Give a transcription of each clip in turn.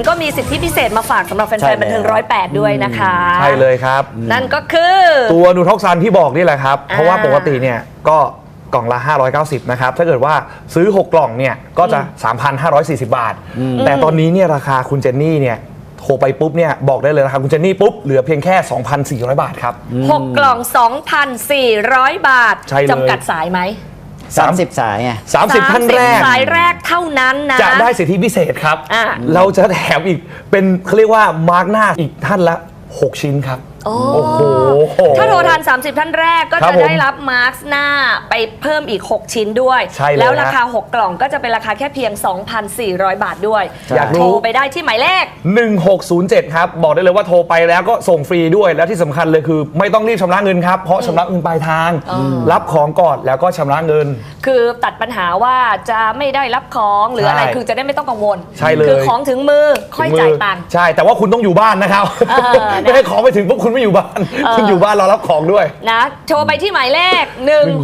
วนก็มีสิทธิพิเศษมาฝากสำหรับแฟนๆบันเทิง108ด้วยนะคะใช่เลยครับนั่นก็คือตัวนูท็อกซันที่บอกนี่แหละครับเพราะว่าปกติเนี่ยก็กล่องละ590นะครับถ้าเกิดว่าซื้อ6กล่องเนี่ยก็จะ 3,540 บาทแต่ตอนนี้เนี่ยราคาคุณเจนนี่เนี่ยโทรไปปุ๊บเนี่ยบอกได้เลยนะครับคุณเจนนี่ปุ๊บเหลือเพียงแค่ 2,400 บาทครับ 6กล่อง 2,400 บาทจำกัดสายไหม 30 สายไง 30 ท่านแรกสายแรกเท่านั้นนะจะได้สิทธิพิเศษครับเราจะแถมอีกเป็นเขาเรียกว่ามาร์กหน้าอีกท่านละ6 ชิ้นครับโอ้โหถ้าโทรทัน30 ท่านแรกก็จะได้รับมาร์กหน้าไปเพิ่มอีก6ชิ้นด้วยแล้วราคา6กล่องก็จะเป็นราคาแค่เพียง 2,400 บาทด้วยอยากโทรไปได้ที่หมายเลข 1607ครับบอกได้เลยว่าโทรไปแล้วก็ส่งฟรีด้วยแล้วที่สำคัญเลยคือไม่ต้องรีบชำระเงินครับเพราะชำระเงินปลายทางรับของก่อนแล้วก็ชำระเงินคือตัดปัญหาว่าจะไม่ได้รับของหรืออะไรคือจะได้ไม่ต้องกังวลใช่เลยคือของถึงมือค่อยจ่ายตังค์ใช่แต่ว่าคุณต้องอยู่บ้านนะครับไม่ให้ของไปถึงพวกคุณไม่อยู่บ้านคุณอยู่บ้านรอรับของด้วยนะโทรไปที่หมายเลข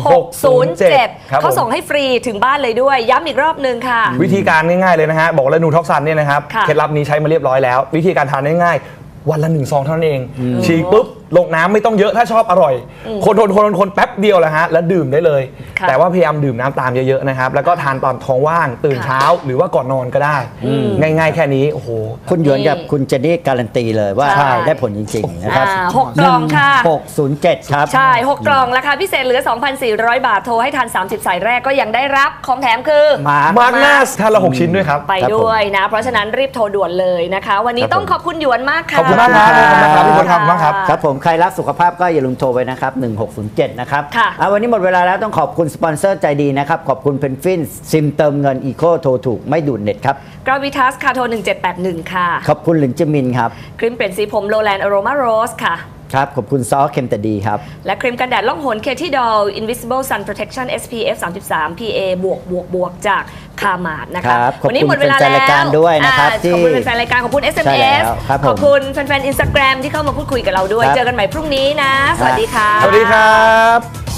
1607เขาส่งให้ฟรีถึงบ้านเลยด้วยย้ำอีกรอบนึงค่ะวิธีการง่ายๆเลยนะฮะบอกเลยนูท็อกซันเนี่ยนะครับเคล็ดลับนี้ใช้มาเรียบร้อยแล้ววิธีการทานง่ายๆวันละ1 ซองเท่านั้นเองฉีกปุ๊บลงน้ำไม่ต้องเยอะถ้าชอบอร่อยคนแป๊บเดียวแหละฮะแล้วดื่มได้เลยแต่ว่าพยายามดื่มน้ำตามเยอะๆนะครับแล้วก็ทานตอนท้องว่างตื่นเช้าหรือว่าก่อนนอนก็ได้ง่ายๆแค่นี้โอ้โหคุณหยวนกับคุณเจนนี่การันตีเลยว่าได้ผลจริงๆนะครับ 6 กล่องค่ะ 607ครับใช่6 กล่องราคาพิเศษเหลือ 2,400 บาทโทรให้ทัน30 สายแรกก็ยังได้รับของแถมคือมาร์กหน้าท่านละ6 ชิ้นด้วยครับไปด้วยนะเพราะฉะนั้นรีบโทรด่วนเลยนะคะวันนี้ต้องขอบคุณหยวนมากค่ะขอบคุณมากครับพี่พลครับมากครับครับผมใครรักสุขภาพก็อย่าลืมโทรไปนะครับ1607นะครับวันนี้หมดเวลาแล้วต้องขอบคุณสปอนเซอร์ใจดีนะครับขอบคุณเพนฟินซิมเติมเงินอีโคโทรถูกไม่ดูดเน็ตครับกราวิทัสคาโท1781ค่ะขอบคุณหลินจมินครับครีมเปลี่ยนสีผมโรแลนด์อโรมาโรสค่ะครับขอบคุณซอสเค็มแต่ดีครับและครีมกันแดดล่องหนเคที่ดอล Invisible Sun Protection SPF 33 PA บวกจากคามาดนะคะวันนี้หมดเวลาแล้วขอบคุณแฟนรายการด้วยนะครับขอบคุณแฟนรายการขอบคุณ SMS ขอบคุณแฟนๆ Instagram ที่เข้ามาพูดคุยกับเราด้วยเจอกันใหม่พรุ่งนี้นะสวัสดีค่ะสวัสดีครับ